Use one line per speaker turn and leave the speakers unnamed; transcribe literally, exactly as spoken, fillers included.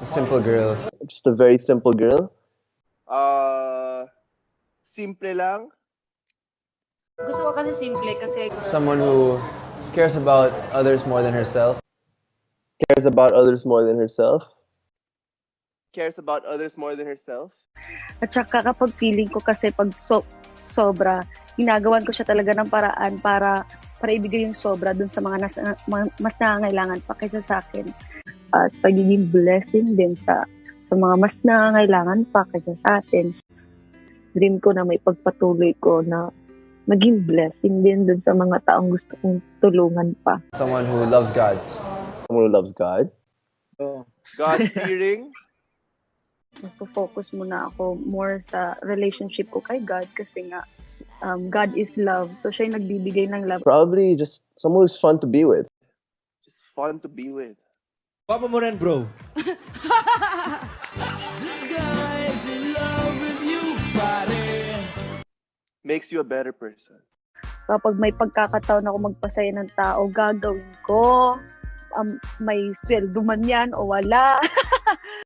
Simple girl.
Just a very simple girl.
Uh, simple lang.
Gusto ko kasi simple kasi
Someone who cares about others more than herself.
Cares about others more than herself.
Cares about others more than herself.
At saka kapag feeling ko kasi pag so, sobra, ginagawan ko siya talaga ng paraan para para ibigay yung sobra dun sa mga nas, ma- mas nangangailangan pa kaysa sa akin. At pagiging blessing din sa sa mga mas nangangailangan pa kaysa sa atin. Dream ko na may pagpatuloy ko na maging blessing din dun sa mga taong gusto kong tulungan pa.
Someone who loves God.
Someone who loves God.
God-fearing.
Nagpo-focus muna ako more sa relationship ko kay God kasi nga um, God is love. So siya yung nagbibigay ng love.
Probably just someone who's fun to be with.
Just fun to be with.
Papa mo rin, bro.
Makes you a better person.
Kapag may pagkakataon ako magpasaya ng tao, gagawin ko. Um, may sweldo man yan o wala.